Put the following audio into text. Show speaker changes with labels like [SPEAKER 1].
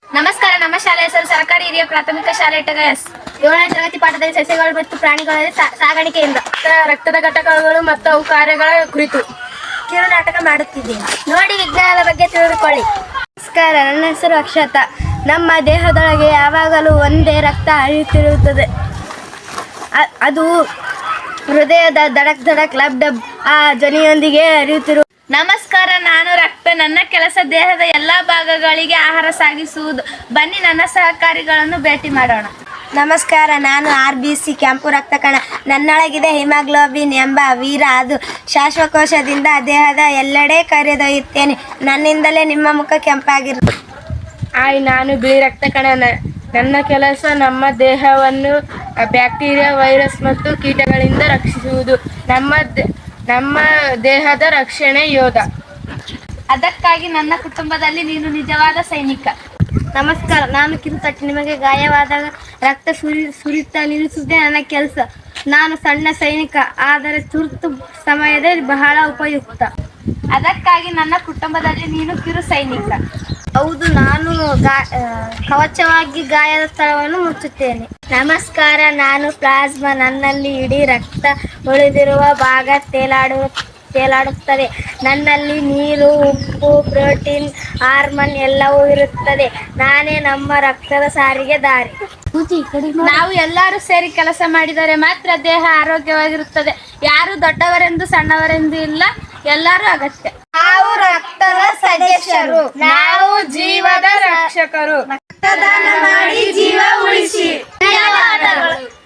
[SPEAKER 1] ನಮಸ್ಕಾರ. ನಮ್ಮ ಶಾಲೆ ಹೆಸರು ಸರ್ಕಾರಿ ಹಿರಿಯ ಪ್ರಾಥಮಿಕ ಶಾಲೆ ಟಗಸ್.
[SPEAKER 2] 7ನೇ ತರಗತಿ ಪಾಠದಲ್ಲಿ ಸಸ್ಯಗಳು ಮತ್ತು ಪ್ರಾಣಿಗಳಲ್ಲಿ ಸಾಗಾಣಿಕೆಯಿಂದ
[SPEAKER 3] ರಕ್ತದ ಘಟಕಗಳು ಮತ್ತು ಅವು ಕಾರ್ಯಗಳ ಕುರಿತು
[SPEAKER 2] ಕಿರು ನಾಟಕ ಮಾಡುತ್ತಿದ್ದೇನೆ. ನೋಡಿ ವಿಜ್ಞಾನದ ಬಗ್ಗೆ ತಿಳಿದುಕೊಳ್ಳಿ. ನಮಸ್ಕಾರ, ನನ್ನ ಹೆಸರು ಅಕ್ಷತಾ. ನಮ್ಮ ದೇಹದೊಳಗೆ ಯಾವಾಗಲೂ ಒಂದೇ ರಕ್ತ ಹರಿಯುತ್ತಿರುತ್ತದೆ. ಅದು ಹೃದಯದ ಧಡಕ್ ಧಡಕ್ ಲಬ್ ಡಬ್ ಆ ಧ್ವನಿಯೊಂದಿಗೆ ಹರಿಯುತ್ತಿರುವ.
[SPEAKER 1] ನಮಸ್ಕಾರ, ನಾನು ರಕ್ತ. ನನ್ನ ಕೆಲಸ ದೇಹದ ಎಲ್ಲ ಭಾಗಗಳಿಗೆ ಆಹಾರ ಸಾಗಿಸುವುದು. ಬನ್ನಿ ನನ್ನ ಸಹಕಾರಿಗಳನ್ನು ಭೇಟಿ ಮಾಡೋಣ.
[SPEAKER 2] ನಮಸ್ಕಾರ, ನಾನು RBC ಕೆಂಪು ರಕ್ತ ಕಣ. ನನ್ನೊಳಗಿದೆ ಹಿಮೋಗ್ಲೋಬಿನ್ ಎಂಬ ವೀರ. ಅದು ಶ್ವಾಸಕೋಶದಿಂದ ದೇಹದ ಎಲ್ಲೆಡೆ ಕರೆದೊಯ್ಯುತ್ತೇನೆ. ನನ್ನಿಂದಲೇ ನಿಮ್ಮ ಮುಖ ಕೆಂಪಾಗಿರುತ್ತೆ.
[SPEAKER 3] ನಾನು ಬಿಳಿ ರಕ್ತ ಕಣ. ನನ್ನ ಕೆಲಸ ನಮ್ಮ ದೇಹವನ್ನು ಬ್ಯಾಕ್ಟೀರಿಯಾ, ವೈರಸ್ ಮತ್ತು ಕೀಟಗಳಿಂದ ರಕ್ಷಿಸುವುದು. ನಮ್ಮ ದೇಹದ ರಕ್ಷಣೆ ಯೋಧ.
[SPEAKER 1] ಅದಕ್ಕಾಗಿ ನನ್ನ ಕುಟುಂಬದಲ್ಲಿ ನೀನು ನಿಜವಾದ ಸೈನಿಕ.
[SPEAKER 2] ನಮಸ್ಕಾರ, ನಾನು ಕಿರುತಟ್ಟಿ. ನಿಮಗೆ ಗಾಯವಾದಾಗ ರಕ್ತ ಸುರಿತಾ ನಿಲ್ಲಿಸುವುದೇ ನನ್ನ ಕೆಲಸ. ನಾನು ಸಣ್ಣ ಸೈನಿಕ, ಆದರೆ ತುರ್ತು ಸಮಯದಲ್ಲಿ ಬಹಳ ಉಪಯುಕ್ತ.
[SPEAKER 1] ಅದಕ್ಕಾಗಿ ನನ್ನ ಕುಟುಂಬದಲ್ಲಿ ನೀನು ಕಿರು ಸೈನಿಕ.
[SPEAKER 2] ಹೌದು, ನಾನು ಕವಚವಾಗಿ ಗಾಯದ ಸ್ಥಳವನ್ನು ಮುಚ್ಚುತ್ತೇನೆ. ನಮಸ್ಕಾರ, ನಾನು ಪ್ಲಾಸ್ಮಾ. ನನ್ನಲ್ಲಿ ಇಡೀ ರಕ್ತ ಉಳಿದಿರುವ ಭಾಗ ತೇಲಾಡುತ್ತದೆ. ನನ್ನಲ್ಲಿ ನೀರು, ಉಪ್ಪು, ಪ್ರೋಟೀನ್, ಹಾರ್ಮೋನ್ ಎಲ್ಲವೂ ಇರುತ್ತದೆ. ನಾನೇ ನಮ್ಮ ರಕ್ತದ ಸಾರಿಗೆ ದಾರಿ.
[SPEAKER 1] ನಾವು ಎಲ್ಲರೂ ಸೇರಿ ಕೆಲಸ ಮಾಡಿದರೆ ಮಾತ್ರ ದೇಹ ಆರೋಗ್ಯವಾಗಿರುತ್ತದೆ. ಯಾರು ದೊಡ್ಡವರೆಂದು ಸಣ್ಣವರೆಂದು ಇಲ್ಲ, ಎಲ್ಲರೂ ಅಗತ್ಯ.
[SPEAKER 2] ನಾವು ರಕ್ತದ ಸದಸ್ಯರು.
[SPEAKER 3] ನಾವು ಜೀವದ ರಕ್ಷಕರು.
[SPEAKER 2] ರಕ್ತದಾನ ಮಾಡಿ ಜೀವ ಉಳಿಸಿ. ಧನ್ಯವಾದಗಳು.